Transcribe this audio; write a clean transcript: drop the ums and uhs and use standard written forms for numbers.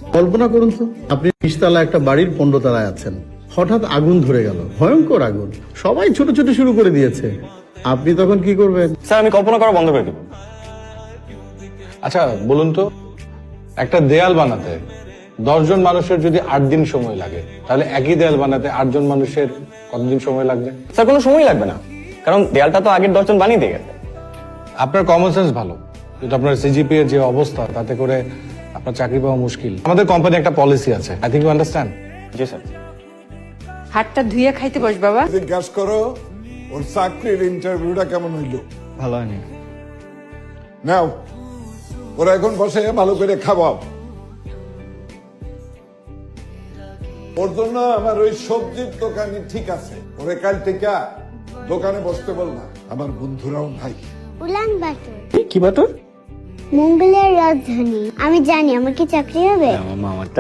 কল্পনা করুন তো, আপনি 20 তলা একটা বাড়ির 15 তলায় আছেন, হঠাৎ আগুন ধরে গেল, ভয়ঙ্কর আগুন, সবাই ছোট ছোট শুরু করে দিয়েছে, আপনি তখন কি করবেন? স্যার আমি কল্পনা করা বন্ধ করে দিব। আচ্ছা বলুন তো, একটা দেয়াল বানাতে 10 জন মানুষের যদি 8 দিন সময় লাগে, তাহলে একই দেয়াল বানাতে 8 জন মানুষের কতদিন সময় লাগবে? স্যার কোনো সময় লাগবে না, কারণ দেয়ালটা তো আগের 10 জন বানিয়ে দিয়ে গেছে। আপনার কমন সেন্স ভালো, কিন্তু আপনার সিজিপি এর যে অবস্থা, তাতে করে আপনার চাকরি পাওয়া মুশকিল। আমাদের কোম্পানি একটা পলিসি আছে, আই থিংক ইউ আন্ডারস্ট্যান্ড। জি স্যার। হাতটা ধুইয়া খাইতে বস বাবা। জিজ্ঞাসা করো ওর চাকরির ইন্টারভিউটা কেমন হইলো। ভালো হয়নি। নাও ওরা এখন বসে ভালো করে খাওয়াও। ওর জন্য আমার ওই সবজির দোকানে ঠিক আছে, ওরে কাল থেকে দোকানে বসতে বললাম। আমার বন্ধুরাও নাই। উলান বাতর কি বাতর? মঙ্গলের রাজধানী। আমি জানি আমার কি চাকরি হবে। আমার মামারটা